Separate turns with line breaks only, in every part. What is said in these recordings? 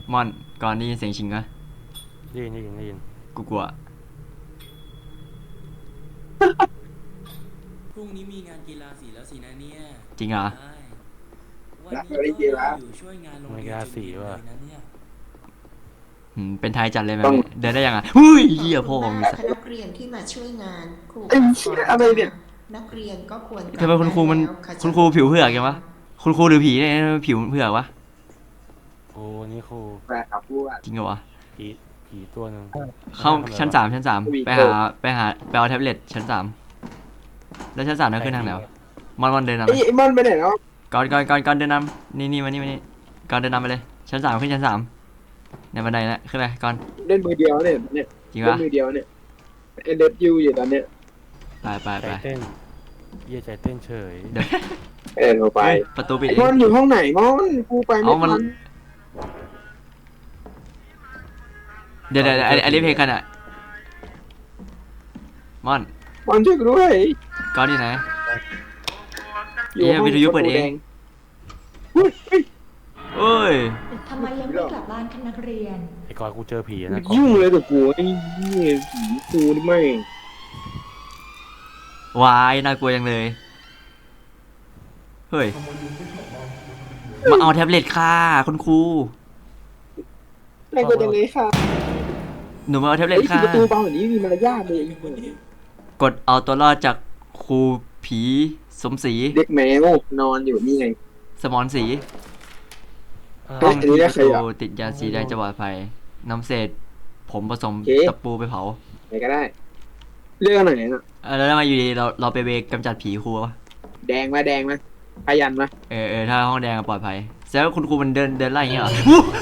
มอนก่อนได้ยินเสียงชิงอะ
ได้ยิน
กูกลัว
พรุ่งนี้มีงานกีฬาสีแล้วสินะเนี่ย
จริงเหรอ
ใช่วันนี้ก็ได้อยู่ช่วยงานโรงเรียนจนเย็นเลยนะเนี่ย
เป็นไทยจัดเลยแบบนี้เดินได้ยังอ่ะหุ้ยเหี้ยพ่อของมีสัตว์
นักเรียนที่มาช่วยงานครู
ไอ้เชี่ยอะไรเนี่ย
นักเรียนก็ควร
ทำไมคุณครูมันคุณครูผิวเผือกยังวะคุณครูหรือผีเนี่ยผิวเผือกวะ
ครูนี่ครู
แฟนครับพูดว่า
จริงเหรอวะ
ผีตัวหนึ่ง
เข้าชั้น 3ไปเอาแท็บเล็ตชั้น 3แล้วชั้น 3นั่นขึ้นทางไหนวะมอนเดินนำ
ไอ้มอนไปไหนแล้ว
ก่อนเดินนำนี่มานี่ก่อนเดินนำไปเลยชั้น 3ขึ้นชั้น 3ในบันไดนะขึ้นไปก่อน
เล่นมือเดียวเนี่ย
จริง
เล่
ปะ
นมือเดียวเนี่ยเอ็นเดฟยูอยู่ตอนเนี้ย
ไป
ใจเต้นใจเต้นเฉย
เดี๋ยว
เราไป
ประตูปิด
ไอ้มอนอยู่ห้องไหนมอนกูไปไม่ทัน
เดี๋ยวอันนี้เพลงกันอ่ะมอน
มอนช่วยกูด้วย
ก่อนที่ไหน
อยู่ห้อง
วิทยุเปิดเอง เอ้ย
ทำไมยังไม่กลับบ้านคะนักเรียน
ไอ้กอนกูเจอผีนะ
ยุ่งเลยกับกูไอ้เหี้ยผีกูนี่ไม่
วายน่ากลัวจังเลยเฮ้ยมาเอาแท็บเล็ตค่ะคุณครู
น่ากลัวจังเลยค่ะ
หนูมาเอาแท็บ
ไอ้
เล็ต
ที่
ค่ะ
ประตูบางแบบนี้มีมารยาทเลยไอ้เหี้ย
กดเอาตัวรอดจากครูผีสมศรี
เด็กแมวนอนอยู่นี่ไง
สมอนศรี
เฮ้ยอันนี้ได้ใครอ่ะ
ติดยาสีแดงจะปลอดภัยนำเศษผมผสม
โอเค
ตะปูไปเผา
ไหนก็ได้เรื่องไหนน่ะ
แล้วมาอยู่ดีเราไปเวกกำจัดผีครูวะ
แดงไหมพยันไหม
ถ้าห้องแดงปลอดภัยแสดงว่าคุณครูมันเดินไล่อย่างเงี้ยเหรอ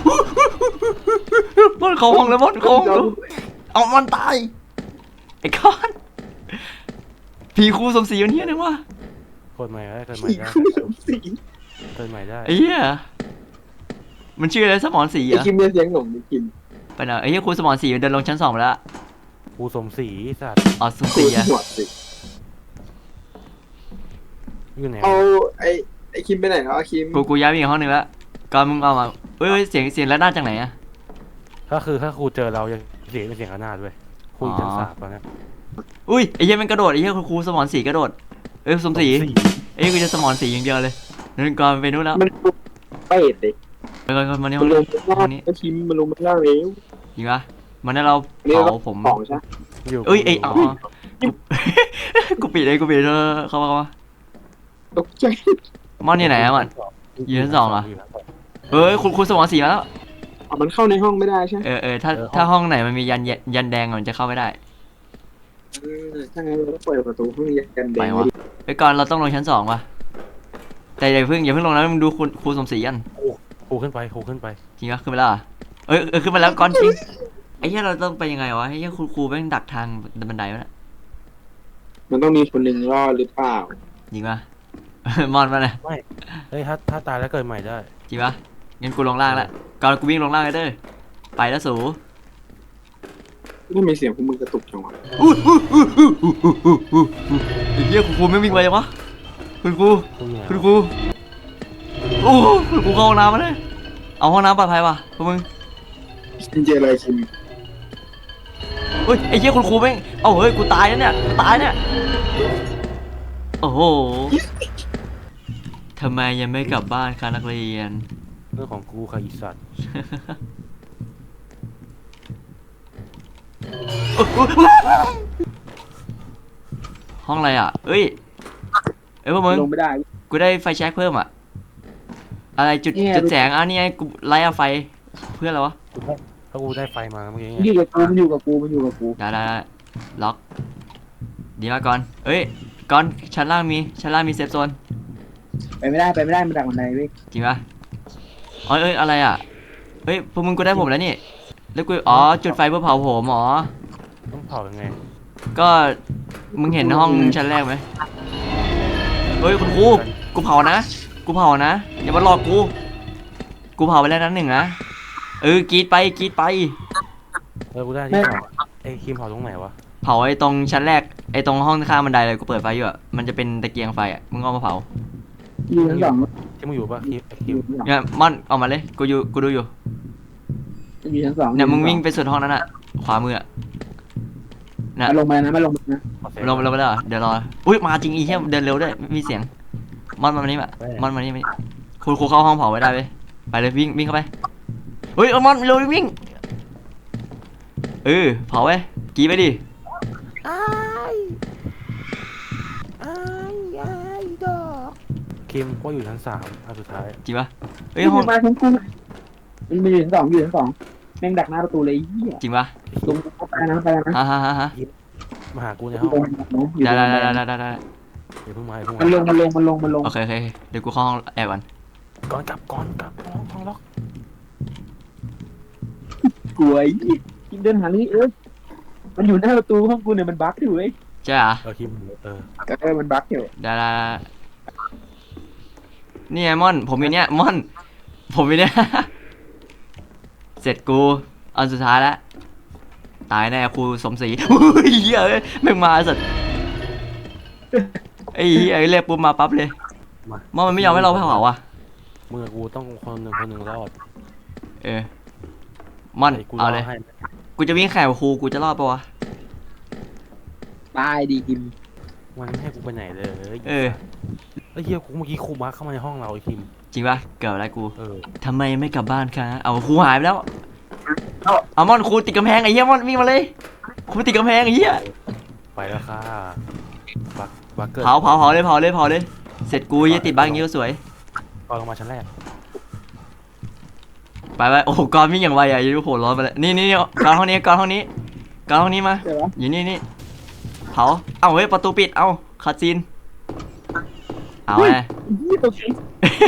มันเข้าห้องแล้วมันเข้าห้องแล้วเอามันตายไอ้ก้อนผีครูสมศรีอยู่เนี่ยนึงวะ
เกิดใหม่ได้
ผีคู่สมศรี
เกิดใหม่ได้
ไอ้เหี้ยมันชื่ออะไรสมอนศรี
ไอ้
อะ
คิมเนี่ยเสียงหลงไอ้คิม
ไปไหนไอ้เหี้ยครูสมอนศรีมันเดินลงชั้น 2ไปแล้ว
ครูสมศรีสัตว์
อ๋อสมศ
กู
รี
ที่
อะ
หัวสิ
อยู่ไหน
เอาไอ้คิมไปไหนแล้วอะคิม
กูย้ายไปอีกห้องนึงแล้วก่อนมึงเอามาเฮ้ยเสียงแล้วด้านจากไหนอะ
ถ้าครูเจอเราจะเสียงเป็นเสียงขนาดด้วยครูอยู่ชั้น 3ตอนนี้
อุ้ยไอ้เหี้ยมันกระโดดไอ้เหี้ยครูสมอนศรีกระโดดสมศรีไอ้เหี้ยกูจะสมอนศรีอย่างเดียวเลยนั่นก่อนไปนู้นแล้ว
มันเป็ดเลย
ไปก่อนมานี่
มันลง
ห้
มา
องนี้
ไอ้คิมมันลงมาล่างแล้ว
จริงปะมันให้เรา
นี่
เผาผม
ของใช่
อยู่
เอ้ยอ๋อกูปิดเลยเข้ามา
ตกใจ
มอนอยู่ไหนอะมัน อยู่ชั้น 2เหรอ เอ้ยคุณสมอนศรีมาแล้ว
เอามันเข้าในห้องไม่ได้ใช่ไหม
ถ้าห้องไหนมันมียันแดงอะมันจะเข้าไม่ได้
ถ้างั้นเราต้องเปิดประตูห้องยันแด
ไป
ง
วะไปก่อนเราต้องลงชั้น 2ว่ะแต่อย่าเพิ่งลงนะมึงดูครูสมศรีกัน
ครูขึ้นไป
จริงปะขึ้นไปแล้วเหรอขึ้นมาแล้วก่อนจริงไอ้เหี้ยเราต้องไปยังไงวะไอ้เหี้ยครูแม่งดักทางบันไดวะเนี่ย
มันต้องมีคนหนึ่งรอดหรือเปล่า
จริงปะ มอนมาเลย
เฮ้ยถ้าตายแล้วเกิดใหม่ได้
จริงปะงั้นกูลงล่างแล้วก่อนกูวิ่งลงล่างเลยเด้อไปแล้วสู
ไม่มีเสียงพวกมึงกระตุกจังวะ
ไอ้เหี้ยครูไม่วิ่งไปยังวะคุณครู
ครูอยู่ไหน
คุณครูโอ้คุณครูเข้าห้องน้ำมาเลยเอาห้องน้ำปลอดภัยว่ะพวกมึง
คิมเจออะไรคิม
เฮ้ยไอ้เหี้ยคุณครูแม่งเอ้าเฮ้ยกูตายแล้วเนี่ยโอ้โหทำไมยังไม่กลับบ้านคะนักเรียน
เรื่องของกูค่ะอีสัตว์
ห้องอะไรอ่ะเอ้ยพวกมึง
ลงไม่ได้
กูได้ไฟแช็กเพิ่มอ่ะอะไรจุดแสงนี่ไงกูไล่เอาไฟเพื่ออะไรวะ
ถ้ากูได้ไฟมาเมื่อกี้
มันอยู่กับกู
ได้ล็อกดีมากก่อนเอ้ยก่อนชั้นล่างมีเซฟโซน
ไปไม่ได้มันดักมันในเว้ย
จริงปะอะไรอ่ะเฮ้ยพวกมึงกูได้ผมแล้วนี่แล้วกูจุดไฟเพื่อเผาผมหรอ
ต้องเผายังไง
ก็มึงเห็นห้องชั้นแรกไหมเฮ้ยคุณครูกูเผานะอย่ามาหลอกกูเผาไปแล้วนั้นหนึ่งนะกรีดไป
กูได้ที่เผาไอ้คิมเผาตรงไหนวะ
เผาไอ้ตรงชั้นแรกไอ้ตรงห้องข้างบันไดเลยกูเปิดไฟอยู่อ่ะมันจะเป็นตะเกียงไฟอ่ะมึงเอามาเผา
อยู่ชั้น 2
ที่มึงอยู่ปะคิม
เนี่ยม่อนออกมาเลยกูดูอยู่
อยู่ชั้นสอง
เนี่ยมึงวิ่งไปสุดห้องนั้นอะขวามืออะน่ะ
มาลงมานะมาลงมานะ
ขอเซฟ
ลงไปแล้วเหรอเดี๋ยวรออุ้ยมาจริงอีเหี้ยเดินเร็วด้วยมีเสียงมอนมานี่มา มอนมานี่มานี่ครูเข้าห้องเผาไว้ได้เลยไปเลยวิ่งเข้าไปเฮ้ยเอามอนเร็ววิ่งเผาไว้กรีดไปดิ
คิมก็อยู่ชั้น3อันสุดท้าย
จริงปะเฮ้ย
นี่
ห้อง
มาชั้นกูมันอยู่ชั้นสองอยู่ชั้นสองแม่งดักหน้าประตูเลยไอ้เหี้ย
จริงปะ
ลงเข้าไปนะไปนะ
ฮะ
มาหากูใน
อ
ห้
ยู่
อง
ตรงอยู่
ได้
ตรง
ได้
อย่าเพิ่งมาอย่าเพิ่ง
มันล
มาง
มันลง
โอเคเดี๋ยวกูเข้าห้องแอบก่อน
ก่อนกลับห้องล็อก
กลัวไอ้เหี้ยกินเดินหานี่มันอยู่หน้าประตูห้องกูเนี่ยมันบั๊กอยู่เว้ย
ใช่เหรอ
คิม
มันบั๊กอยู่
ได้นี่ไงม่อนผมอยู่เนี่ยม่อนผมอยู่เนี่ย เสร็จกูอันสุดท้ายแล้วตายแน่ครูสมศรีอุ้ยเหี้ยแม่งมาสัตว์ไอ้เหี้ยเรียกปุ๊บมาปั๊บเลยม่อนมันไม่ยอมให้เราเผาอ่ะ
มึงกับกูต้องคนหนึ่งรอด
ม่อน
กู
เอาเลย
ให้
กูจะวิ่งแข่งกับครูกูจะรอดปะวะ
ตายดีกิม
มันไม่ให้กูไปไหนเลย
เออ
ไอ้เหี้ยกูเมื่อกี้ครูมาเข้ามาในห้องเราไอ้คิม
จริงปะเกิดอะไรกู
อ
ทำไมไม่กลับบ้านคะเอาครูหายไปแล้วเอาม่อนครูติดกำแพงไอ้เหี้ยม่อนวิ่งมาเลยครูติดกำแพงไอ้เหี้ย
ไปแล้วค่ะบักเกิด
เผาเลยเสร็จกูจะติดบ้านอย่างงี้ก็สวย
ตอนลงมาชั้นแรก
ไปโอ้โหกอนวิ่งอย่างไวอ่ะอยูโหร้อนไปเลยนี่กอนห้องนี้มา
เดี๋ยววะ
อยู่นี่เผาเอาเฮ้ยประตูปิดเอาคาซีนเอาไง
นี่ตัวนี้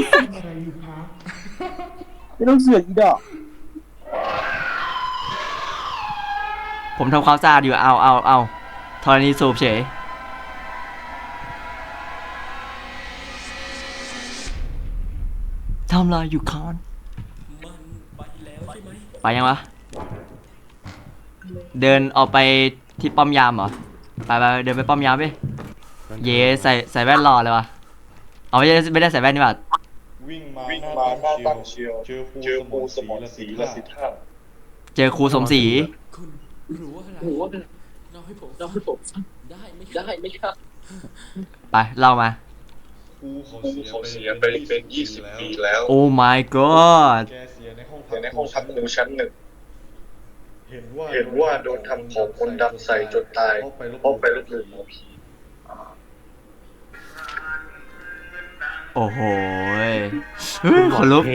ไม่ต้องเสือกอีดอก
ผมทำความสะอาดอยู่เอาธรณีสูบเฉยทำลายอยู่คอน
มันไปแล้วใช่ไหม
ไปยังวะเดินออกไปที่ป้อมยามเหรอไปเดินไปป้อมยามไปเย่ใส่แว่นรอเลยวะเอาไม่ได้ใส่แว่นนี่หว่า
วิ่งมาหน้าตั้งเชียวเจอครูสมรศรีละสิท่า
เจอครูสมศรี
คุณรู้ว่าอะไรเราให้ผมได้ไหมครับ
ไปเล่ามา
ครูเขาเสียไปเป็น20 ปีแล้ว
โอ้ my god
แกเสียในห้องพักครูชั้น 1เห็นว่าโดนทำของคนดำใส่จนตายเพราะไปลบหลู่หมอผี
โอ้โหคนลุก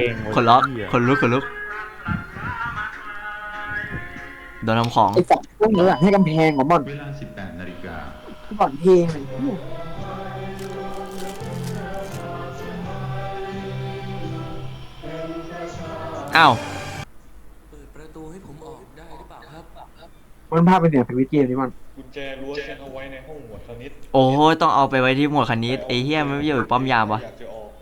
โดนทำของ
ไอ้สัตว์พวกนี้อะให้กำแพงของมัน
เวลา 18 นาฬิกา
ก่อนเพลงอะไรเงี้ย
อ้าว
เปิดประตูให้ผมออกได้หรือเปล่าครับ
มันภาพเป็นเสียงสวิตช์เกมนี่มัน
กุญแจรั้วฉันเอาไว้ในห้องหมวดคณิต
โอ้ยต้องเอาไปไว้ที่หมวดคณิตไอ้เหี้ยมันไม่อยู่ป้อมยามวะ
อยากจะออก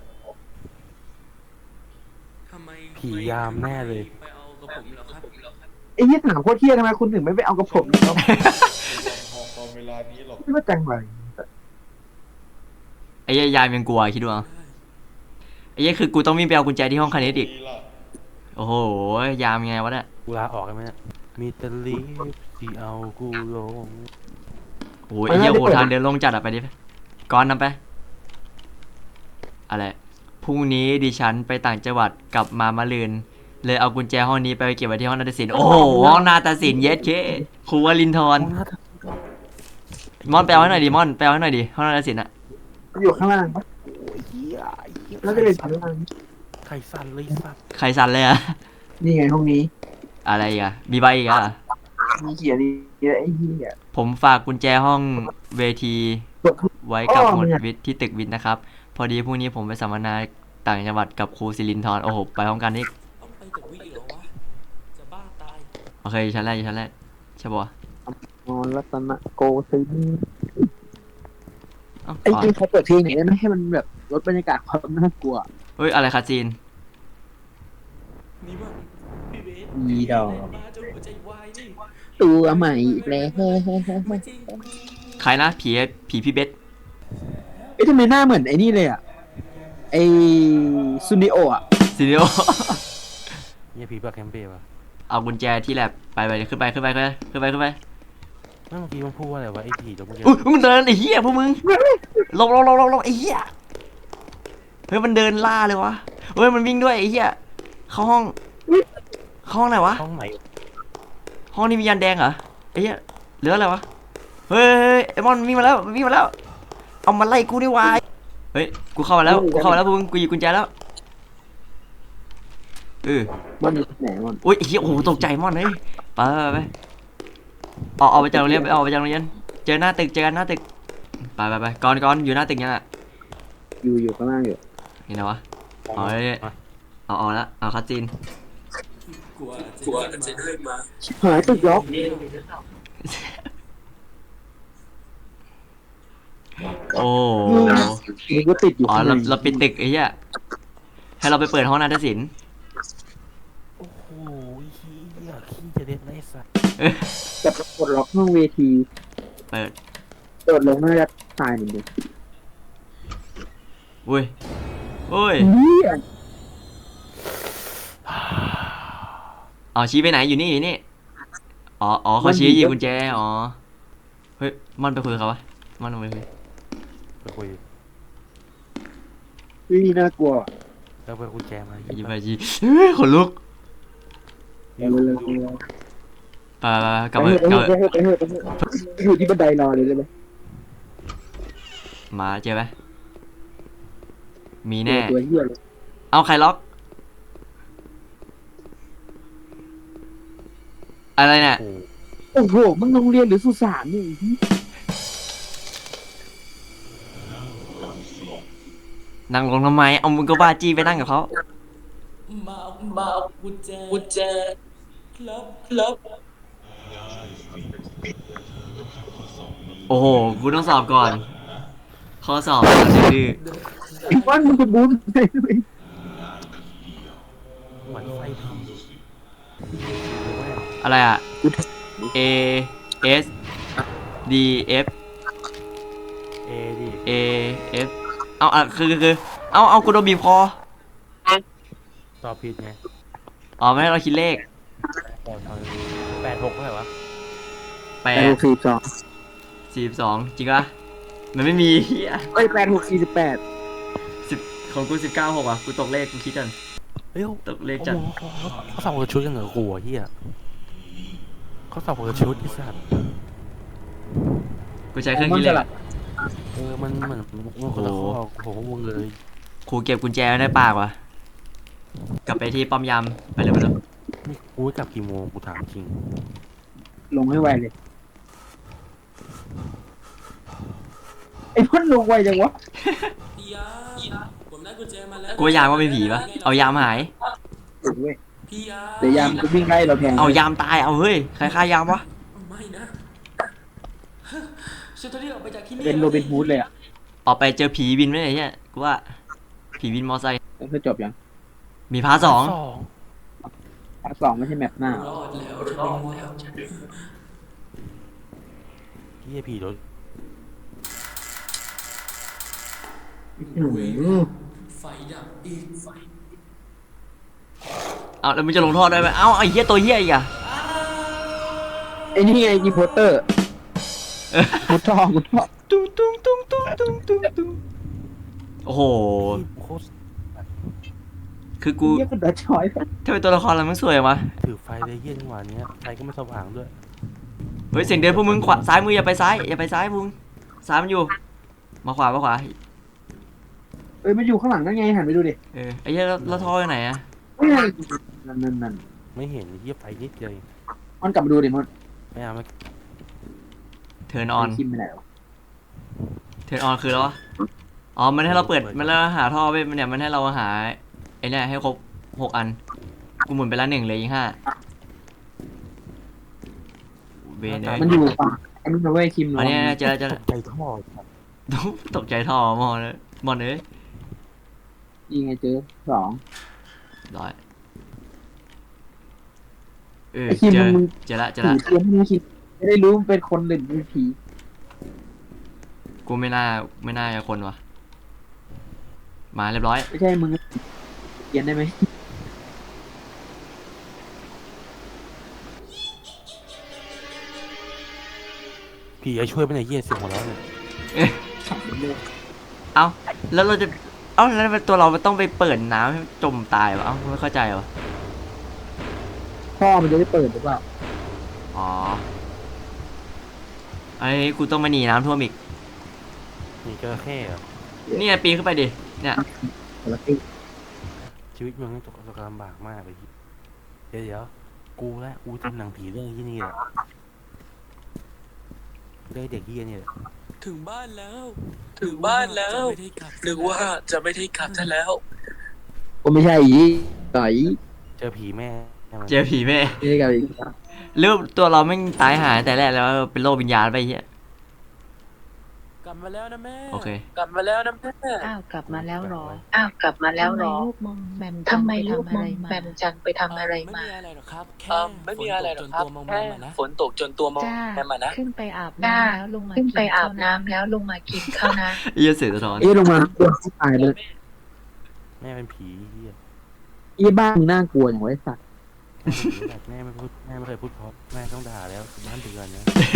ทำไม
ผียามแน่เลย
ไปเอากับผมเหรอครับ
ไอ้เหี้ยถามโคตรเที่ยทำไมคุณถึงไม่ไปเอากับผมเนี่ย
ห้องตอนเวลานี้หรอก
ไม่ว่าจังไร
ไอ้เหี้ยยามยังกลัวคิดดูเอาไอ้เหี้ยคือกูต้องวิ่งไปเอากุญแจที่ห้องคณิตอีก
ดีล่ะ
โอ้โหยามยังไงวะเนี่ย
กูลาออกได้ไหมเนี่ยมีแต่ลีฟที่เอากูลง
โอ้ยไอ้เหี้ยโหทางเดินลงจัดอะไปดิก่อนนำไปอะไรพรุ่งนี้ดิฉันไปต่างจังหวัดกลับมามะรืนเลยเอากุญแจห้องนี้ไปเก็บไว้ที่ห้องนาฏศิลป์โอ้โหห้องนาฏศิลป์เย็ดเคครูวลินทร์มอนไปเอาให้หน่อยดิมอนไปเอาให้หน่อยดิห้องนาฏศิลป์อะ
อยู่ข้างล่างปะ
โอ้ยเหี้ย
แล้วก็เลยชั้นล่าง
ใครสั่นเลยสัตว์
ใครสั่นเลยอะ
นี่ไงห้องนี้
อะไรอีกอะมีใบอีกอะ
มีเขียนนี่ไอ้เหี้ย
ผมฝากกุญแจห้องเวทีไว้กับหมวดวิทย์ที่ตึกวิทย์นะครับ พอดีพรุ่งนี้ผมไปสัมมนาต่างจังหวัดกับครูศิรินทร์โอ้โหไปพร้อมกันนี่
ต้องไปกับวิเหรอวะ จะบ้าตาย
โอเคชั้นแรกใช่ปะวะ
อ๋อรัตนโกสินทร์
เอ้า
ไอ้เขาเปิดเพลงไหนได้ไหมให้มันแบบลดบรรยากาศความน่ากลัว
เฮ้ยอะไรคาจีน
นี่มันพี่เบส
อีดอก
มาจนหัวใจวายนี่
ตัวใหม่อีกแล้ว
ไม่จริง
ใครนะผีพี่เบส
เอ้ยทำไมหน้าเหมือนไอ้นี่เลยอ่ะไอ้ซูนิโออ่ะ
ซีเนีย
เนี่ยผีปากแคมเป้ปะ
เอากุญแจที่แลบไปขึ้นไป
ไม่เมื่อกี้มันพูดว่าอะไรวะไอ้ผีตัวเมื่อกี้
อุ้ยมันเดินไอ้เหี้ยพวกมึงลงไอ้เหี้ยเฮ้ยมันเดินล่าเลยวะเฮ้ยมันวิ่งด้วยไอ้เหี้ยเข้าห้องไหนวะ
ห้องไหน
ห้องนี้มียันแดงเหรอไอ้เหี้ยเหลืออะไรวะเฮ้ยไอ้มอนวิ่งมาแล้วเอามาไล่กูดิวายเฮ้ยกูเข้ามาแล้วพวกมึงกูหยิบกุญแจแล้ว
มันอยู่ที่ไหนมัน
อุ้ยไอ้เหี้ยโอ้โหตกใจมอนเฮ้ยไปออกไปจากโรงเรียนเจอหน้าตึกไปก่อนอยู่หน้าตึกยังอ่ะ
อยู่ข้างล่างอยู่
นี่นะวะเอาเลยเอาละเอาคัดจีน
กลัวจะได้มา
หายตึกล็อก
โอ้
มันก็ติดอยู่
อ๋อเราปิดตึกไอ้เหี้ยให้เราไปเปิดห้องนาฏศิลป์
โอ้โหเหี้ยขี้จะเด็ดไรสัตว์
จะปลดล็อกห้องเวที
เปิด
โดดลงน่าจะตายเหมือนเดิม
อุ้ย อ๋อชี้ไปไหนอยู่นี่อ๋อเขาชี้หยิบกุญแจอ๋อเฮ้ยมันไปคุยกับเขาวะมันไปคุย
ไปคุย
น่ากลัว
แล้วไปกุญแจมา
หยิบไปชี้เฮ้ยขนลุก
เร็ว
ไปกลับ
ไป
มา
อยู่ที่บันไดรอเลยได้ไหม
มาเจอไหมมีแน่
ตัวเหี้ยเลย
เอาใครล็อกอะไรเนี่ย
โอ้โห
โอ้โหมึงโรงเรียนหรือสุสานนี่
นั่งลงทำไมเอามึงก็บ้าจี้ไปนั่งกับเขา
มาเอากุญแจครับ
โอ้โหกูต้องสอบก่อนข้อสอบดื้อ
ไอ้บ้านมึงจะบูมไปด้วย
เหมือนไฟผี
อะไรอ่ะ A S D F
เอดิ
A F เอาคือเอากูโดนบีบคอ
ตอบผิดไง
อ๋อไม่ให้เราคิดเลข
ตอบ86เท่าไหร่วะ
42จริงปะมันไม่มีเฮีย
86 48
ของกู19 6อ่ะกูตกเลขกูคิดกัน
เฮ้ย
ตกเลขจัด
เขาสอบคนละชุดกันเหรอกูอ่ะเฮียเขาสอบคนละชุดไอ้สัตว์
กูใช้เครื่องคิดเลขอะ
มันเหมือนมันคนละข้อโอ้โหวงเลย
ครูเก็บกุญแจไว้ในปากว่ะกลับไปที่ป้อมยามไปเร็ว
นี่กูกลับกี่โมงกูถามจริง
ลงให้ไวเลยไอ้พ่นลงไวจังวะ
พี่ยาผมได้กุญแจมาแล้ว
กูว่ายามว่าเป็นผีปะเอายามหาย
ถูกเว้ย
พี่ยา
แต่ยามก็วิ่งไล่เราแทง
เอายามตายเอาเฮ้ยใครฆ่ายามวะ
ไม่นะฉันจะรีบออกไปจากที่นี่
เป็นโรบินฮูดเลยอ่ะ
ออกไปเจอผีวินไหมเนี่ยกูว่าผีวินมอไซค์
แล้วเธอจบยัง
มีพาร์ท
ภาค 2ไม่ใช่แมปหน้าร
อดแล้วฉันรอดแล้ว
เฮียผีรถ
ไฟดับอีกไฟ
เอาแล้วมึงจะลงโทษได้ไหมเอาไอ้เหี้ยตัวเหี้ยอีกอะ
ไอ้นี่ไงอีโพเตอร์มุดท่อ
ตุ้งโอ้โห
โคตร
คือกู
เรียกเป็นดัชชอย
ถ้าเป็นตัวละครแล้วมันสวยวะ
ถือไฟเลยเฮียจังหวะเนี้ยไฟก็ไม่สว่างด้วย
เฮ้ยเสียงเดินพวกมึงขวาซ้ายมืออย่าไปซ้ายพวกมึงซ้ายมันอยู่มาขวา
เอ้ยมันอยู่ข้างหลังนั่นไงหันไปดูดิ
ไอ้เหี้ยแล้วท่ออยู่ไหนอะ
นั่น
ไม่เห็นเฮียไฟนิดเดียว
มันกลับมาดูดิมัน
ไม่เอาไม่
เทิร์นออน
คิมไปไหนวะ
คือแล้ววะอ๋อมันให้เราเปิดมันแล้วหาท่อไปเนี่ยมันให้เราหาไอ้เนี่ยให้ครบ6 อันกูหมุนไปละ1เลยอีก5เบน
มันอยู่ฝั่งอันนี้นะเว้ยคิม
อันนี้เจอ
ใจท่อ
ตกใจท่อมอนเลย
ยิงไงเจอ2
ร้อยเออ
ไอ้คิม
เจอ
มึง
เจอละ
ผีเทียมไม่คิดไม่ได้รู้มันเป็นคนหรือเป็นผี
กูไม่น่าจะคนวะมาเรียบร้อย
ไม่ใช่มึงเขียนได้ไหม
ผีจะช่วยไม่ได้เหี้ยเสียงหัวเราะเนี่ย
เอ้าแล้วเราจะเอ้าแล้วตัวเราต้องไปเปิดน้ำให้จมตายวะเอ้าไม่เข้าใจวะ
พ่อมันจะได้เปิดหรือเปล่า
อ๋อไอ้กูต้องมาหนีน้ำท่วมอีก
มีจระเข้เหรอ
เนี่ยปีนขึ้นไปดิเนี่ย
คนละที่
ชีวิตมึงตกลำบากมากเลยเดี๋ยวกูทำหนังผีเรื่องที่นี่แหละเรื่องเด็กเหี้ยนี่แหละ
ถึงบ้านแล้วนึกว่าจะไม่ได้กลับซะแล้ว
ก็ไม่ใช่อีไก่
เจอผีแม่มัน
เจอผีแม่
ไม่ใช่ไก่
หรือตัวเราไม่งตายหายแต่แรกแล้วเป็นโรควิญญาณไปเฮีย
กลับมาแล้วนะแม่
โอเค
กลับมาแล้วนะแม่
อ้าวกลับมาแล้วเหรอ
อ้าวกลับมาแล้วเหรอ
ทำไมลูกมองแบม
ทำไมลูก
ไป
มอง
ทำ
แบมจังไปทำอะไร
ไม่
มา
มีอะไรหรอกครับแค่
ไม่มีอะไรหรอกครับ
แค่ฝนตกจนตัวมอง
จ้า
แม่มานะ
ขึ้นไปอาบ
จ้า
น้ำแล้วลงมา
ขึ้นไป
กิ
อาบ
ข้ว
น้ำแล้วลงมากินข้าวนะ
เฮียเสือสะท้อน
เอ๊ะลงมาตัวตายเลย
แม่เป็นผีเหี้ย
อีบ้านมึงน่ากลัวอย่างไว้สัตว์
แม่ไม่เคยพูดเพราะแม่ต้องด่าแล้วบ้านเดือนนะ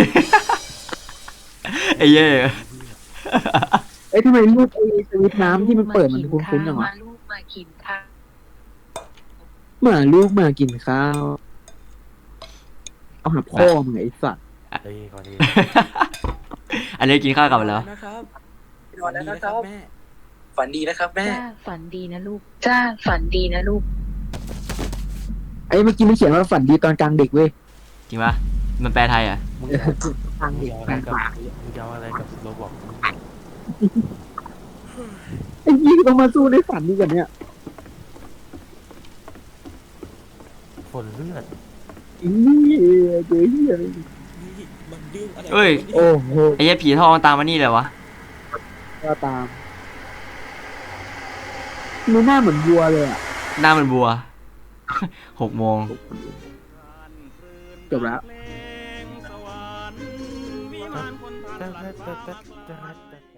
ไอ้เหี้ย
เอ้ยทำไมรูปไอ้สวิตช์น้ำที่มันเปิดมันคุ้นๆอย่างวะ
มาลูกมากินข้าว
เหมือนลูกมากินข้าวเอาหาพ่อมึงไอ้สัตว์
เอ้ยก่อนดี
อันนี้กินข้าวกลับมาแล้ว
นะครับ
นอนแล้วนะครับ
แม่ฝันดีนะครับแม่
จ้าฝันดีนะลูก
จ้าฝันดีนะลูก
ไอ้เมื่อกี้มันเขียนว่าฝันดีตอนกลางเด็กเว้ย
จริงปะมันแปลไทยอ่ะ
มึง
กลางเด็ก
เอา
ก
อะไร
ลาง
กับ
ป่า
มึงจะเอาอะไรกับโรบอก
ไอ้ยี่ต้องมาสู้ในฝันดีกว่าเนี้ย
ฝนเลือด
นี่เจ๊เหี้ยอะไร
นี่มันเรื่องอะไร
เอ้ย
โอ้โห
ไอ้เหี้ยผีทองตามมานี่เลยวะ
ก็ตามมันหน้าเหมือนวัวเลยอ่ะ
หน้ามันบัว 6 โมง
จบแล้ว
แต่